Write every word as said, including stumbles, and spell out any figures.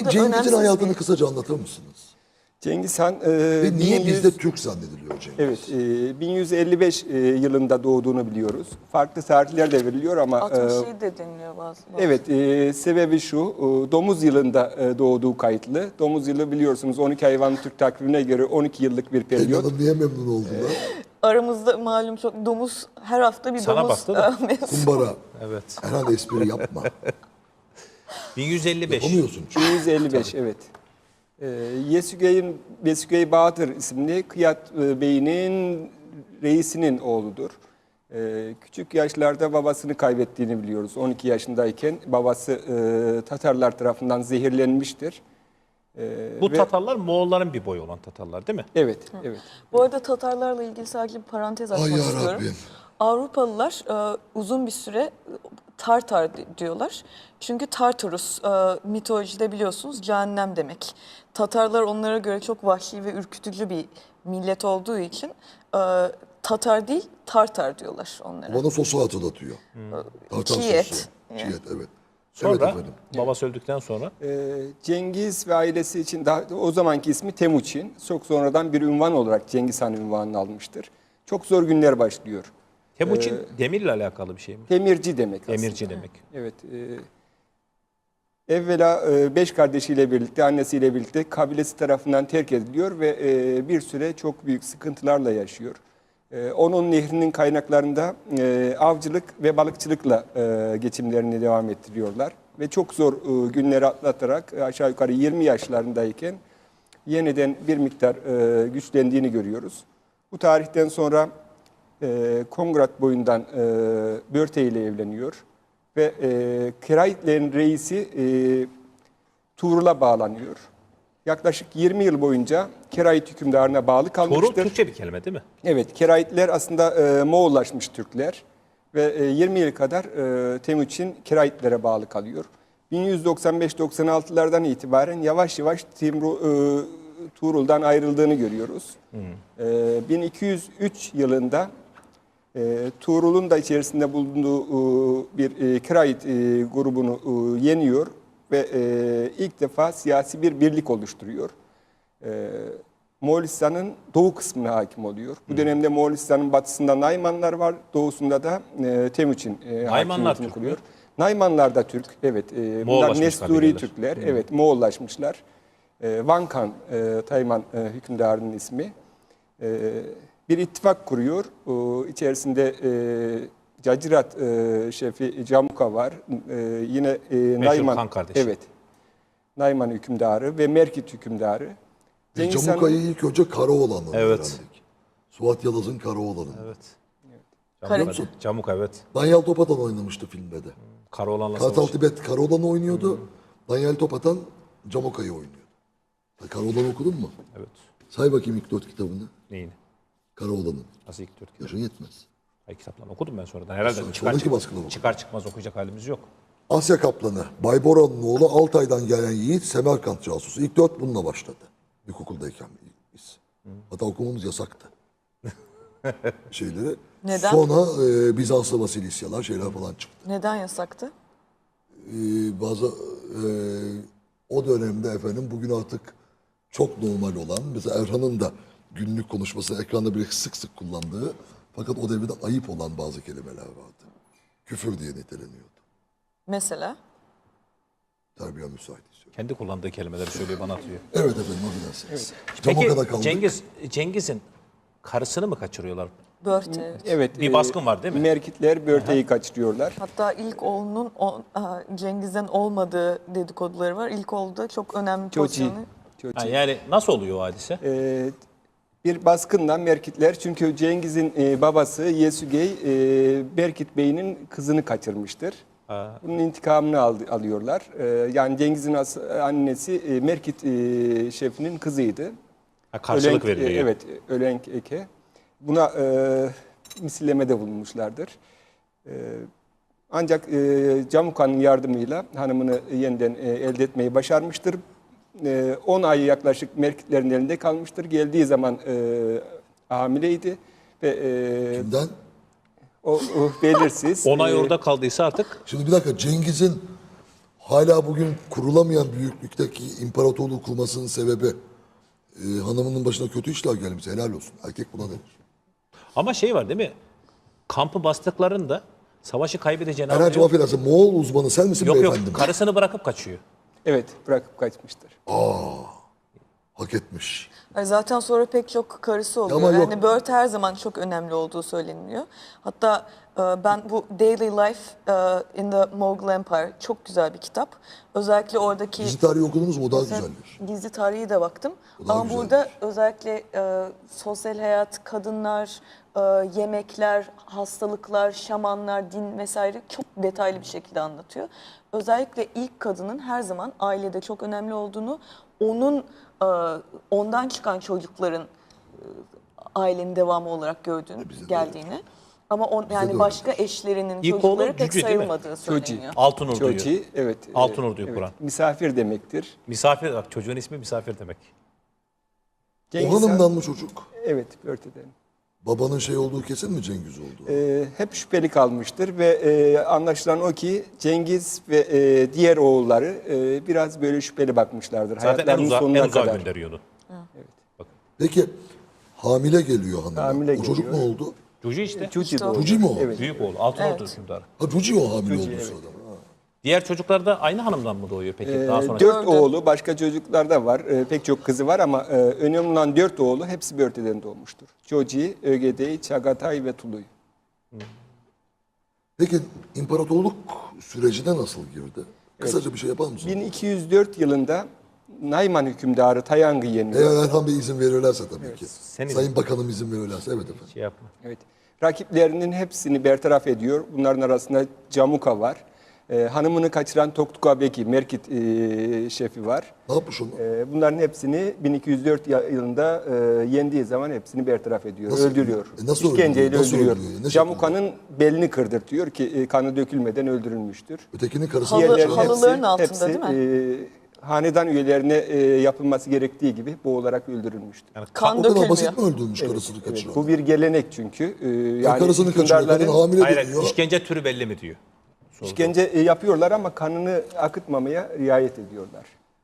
da Cengiz'in önemsiz hayatını bir... kısaca anlatır mısınız? Cengiz Han e, Ve niye bin yüz bizde Türk zannediliyor Cengiz? Evet, e, bin yüz elli beş e, yılında doğduğunu biliyoruz. Farklı tarihler de veriliyor ama altmış e, yedi de deniliyor bazı. bazı. evet, e, sebebi şu, e, domuz yılında e, doğduğu kayıtlı. Domuz yılı biliyorsunuz on iki hayvan Türk takvimine göre on iki yıllık bir Pelin periyot. Hanım niye memnun oldular? Aramızda malum çok domuz, her hafta bir Sana domuz bastı da. mevzusu. Kumbara. Evet. Herhalde espri yapma. bin yüz elli beş. Yapamıyorsun çünkü. bin yüz elli beş, evet. E, Yesügey'in Yesügey Bahadır isimli Kıyat e, Bey'in reisinin oğludur. E, küçük yaşlarda babasını kaybettiğini biliyoruz. on iki yaşındayken babası e, Tatarlar tarafından zehirlenmiştir. E, Bu ve- Tatarlar Moğolların bir boyu olan Tatarlar değil mi? Evet, evet. Bu arada Tatarlarla ilgili sadece bir parantez Ay açmak yarabbim. istiyorum. Avrupalılar e, uzun bir süre e, Tartar di- diyorlar. Çünkü Tartarus e, mitolojide biliyorsunuz cehennem demek. Tatarlar onlara göre çok vahşi ve ürkütücü bir millet olduğu için e, Tatar değil Tartar diyorlar onlara. Bana sosu hatırlatıyor. Tartar Çiğ et. sosu. Çiğ et, evet. Sonra Evet efendim. babası öldükten sonra Ee, Cengiz ve ailesi için daha, o zamanki ismi Temuçin. Çok sonradan bir ünvan olarak Cengiz Han ünvanını almıştır. Çok zor günler başlıyor. Temuçin demirle alakalı bir şey mi? Demirci demek aslında. Demirci demek. Evet. E, evvela e, beş kardeşiyle birlikte, annesiyle birlikte kabilesi tarafından terk ediliyor ve e, bir süre çok büyük sıkıntılarla yaşıyor. E, onun nehrinin kaynaklarında e, avcılık ve balıkçılıkla e, geçimlerini devam ettiriyorlar. Ve çok zor e, günleri atlatarak e, aşağı yukarı yirmi yaşlarındayken yeniden bir miktar e, güçlendiğini görüyoruz. Bu tarihten sonra e, Kongrat boyundan e, Börte ile evleniyor. Ve e, Kiraitlerin reisi e, Tuğrul'a bağlanıyor. Yaklaşık yirmi yıl boyunca Kerait hükümdarına bağlı Torul kalmıştır. Türkçe bir kelime değil mi? Evet, Keraitler aslında e, Moğollaşmış Türkler ve e, yirmi yıl kadar e, Temuçin Keraitlere bağlı kalıyor. bin yüz doksan beş doksan altılardan itibaren yavaş yavaş Timru, e, Tuğrul'dan ayrıldığını görüyoruz. E, bin iki yüz üç yılında e, Tuğrul'un da içerisinde bulunduğu e, bir e, Kerait e, grubunu e, yeniyor ve e, ilk defa siyasi bir birlik oluşturuyor. E, Moğolistan'ın doğu kısmına hakim oluyor. Bu dönemde Moğolistan'ın batısında Naymanlar var, doğusunda da e, Temuçin e, Naymanlar hakimiyetini Türk kuruyor. mü? Naymanlar da Türk, evet. E, bunlar Moğollaşmış Nesturi kabileler. Türkler, evet, Moğollaşmışlar. E, Vankan, e, Tayman e, hükümdarının ismi. E, bir ittifak kuruyor. O, içerisinde e, Cacirat e, şefi Camuka var. E, yine e, Nayman, kan kardeşi. evet, Nayman hükümdarı ve Merkit hükümdarı. Biz Cengiz Camuka'yı Han'ın- ilk önce Karaoğlan'la Evet. öğrendik. Suat Yalaz'ın Karaoğlan'ı. Evet. Kare- Camuk, Camuk evet. Danyal Topatan oynamıştı filmde de. Karaoğlan'la Kartal savaş. Tibet Karaoğlan'ı oynuyordu. Danyal Topatan Camuka'yı oynuyordu. Sen Karaoğlan'ı okudun mu? Evet. Say bakayım ilk dört kitabını. Neyini? Karaoğlan'ın. Nasıl ilk dört kitap? Yaşın yetmez. Ay, kitaplarını okudum ben sonradan. Herhalde Sonra- çıkar, sonraki çıkmaz, baskıda okudum. çıkar çıkmaz okuyacak halimiz yok. Asya Kaplanı, Bayboran'ın oğlu Altay'dan gelen yiğit Semerkant casusu. İlk dört bununla başladı. İlkokuldayken biz. Hatta okumamız yasaktı. Şeyleri. Neden? Sonra e, Bizanslı Vasilisyalar şeyler falan çıktı. Neden yasaktı? E, bazı e, o dönemde efendim bugün artık çok normal olan mesela Erhan'ın da günlük konuşması ekranda bir sık sık kullandığı fakat o devirde ayıp olan bazı kelimeler vardı. Küfür diye niteleniyordu. Mesela? Terbiye müsait istiyorum. Kendi kullandığı kelimeleri söylüyor bana atıyor. Evet efendim affedersiniz. Peki Camuka'da kaldık. Cengiz, Cengiz'in karısını mı kaçırıyorlar? Börte. Evet, Bir baskın var değil mi? Merkitler Börte'yi kaçırıyorlar. Hatta ilk oğlunun o, a, Cengiz'den olmadığı dedikoduları var. İlk oğlu da çok önemli Çoçi. pozisyonu. Çoçi. Ha, yani nasıl oluyor o hadise? Ee, bir baskından Merkitler, çünkü Cengiz'in e, babası Yesügey e, Berkit Bey'in kızını kaçırmıştır. Ha. Bunun intikamını aldı, alıyorlar. Ee, yani Cengiz'in as- annesi e, Merkit e, şefinin kızıydı. Ha, karşılık Ölenk- veriliyor. e, Evet, Ölenk Eke. Buna e, misillemede bulunmuşlardır. E, ancak e, Camuka'nın yardımıyla hanımını yeniden e, elde etmeyi başarmıştır. on ay yaklaşık Merkitlerin elinde kalmıştır. Geldiği zaman e, hamileydi ve e, Kimden? o, o belirsiz. on ay E, orada kaldıysa artık Şimdi bir dakika Cengiz'in hala bugün kurulamayan büyüklükteki imparatorluğu kurmasının sebebi e, hanımının başına kötü işler gelmiş. Helal olsun. Erkek buna denir. Ama şey var değil mi? Kampı bastıklarında savaşı kaybedeceğini Erhan'cığım anlıyor. affedersin. Moğol uzmanı sen misin Yok yok, beyefendim? karısını bırakıp kaçıyor. Evet, bırakıp kaçmıştır. Hak etmiş. Ay, zaten sonra pek çok karısı oluyor. Ama yok. Yani Bert her zaman çok önemli olduğu söyleniyor. Hatta e, ben bu Daily Life e, in the Mughal Empire çok güzel bir kitap. Özellikle oradaki Dizi tarihi okudunuz mu? O daha Mesela güzeldir. Gizli tarihi de baktım. O daha Ama güzeldir. burada özellikle e, sosyal hayat, kadınlar, e, yemekler, hastalıklar, şamanlar, din vesaire çok detaylı bir şekilde anlatıyor. Özellikle ilk kadının her zaman ailede çok önemli olduğunu, onun e, ondan çıkan çocukların e, ailenin devamı olarak gördüğünü, Bize de geldiğini. Ama on, de yani öyle. başka eşlerinin İlk çocukları oğlu pek Cüce değil mi? sayılmadığı Cüce. söyleniyor. Altın Ordu'yu. Çoci, evet. e, Altın Ordu'yu evet, kuran. Misafir demektir. Misafir, bak çocuğun ismi misafir demek. O Cengiz Han- hanımdan mı çocuk? Evet, Börte'den. Babanın şey olduğu kesin mi Cengiz oldu? Ee, hep şüpheli kalmıştır ve e, anlaşılan o ki Cengiz ve e, diğer oğulları e, biraz böyle şüpheli bakmışlardır. Zaten en Hayatlarının uzağa, sonuna en uzağa kadar. gönderiyordu. Peki hamile geliyor hanıma. Hamile o çocuk geliyor. ne oldu? Cuci işte. Cuci İşte o. doğdu. Cuci mi o? Evet. Büyük oğlu. Altın Evet. Ordu hükümdarı. Ha Cuci o hamile Cuci, olduğu evet. sırada. Ha. Diğer çocuklar da aynı hanımdan mı doğuyor peki? Ee, Daha sonra. dört Dördü. oğlu, başka çocuklar da var. Ee, pek çok kızı var ama e, önemli olan dört oğlu hepsi Börte'den doğmuştur. Çoci, Ögedey, Çagatay ve Tuluy. Peki imparatorluk sürecine nasıl girdi? Kısaca bir şey yapar mısın? bin iki yüz dört yılında Nayman hükümdarı Tayang'ı yeniyor. Eğer Erhan Bey izin verirlerse tabii ki. Senin Sayın Bakanım izin verirlerse evet efendim. Şey yapma. Evet. Rakiplerinin hepsini bertaraf ediyor. Bunların arasında Camuka var. Ee, hanımını kaçıran Toktuka Beki, Merkit e, şefi var. Ne yapmış onu? Ee, bunların hepsini bin iki yüz dört ya- yılında e, yendiği zaman hepsini bertaraf ediyor, Nasıl- öldürüyor. E, nasıl İşkenceyle öldürüyor? Nasıl öldürüyor. öldürüyor? Ne Camuka'nın belini kırdırtıyor ki e, kanı dökülmeden öldürülmüştür. Ötekinin karısı Halı- kaçıyor. halı- halıların altında değil mi? hanedan üyelerine e, yapılması gerektiği gibi boğularak öldürülmüştür. Yani Kan O kadar dökülmüyor. basit mi öldürmüş karısını Evet, kaçıran? bu bir gelenek çünkü. E, Ya yani karısını kaçırıyor, kadın hükümdarların hamile hayır, deniyor. işkence türü belli mi diyor. işkence e, yapıyorlar ama kanını akıtmamaya riayet ediyorlar.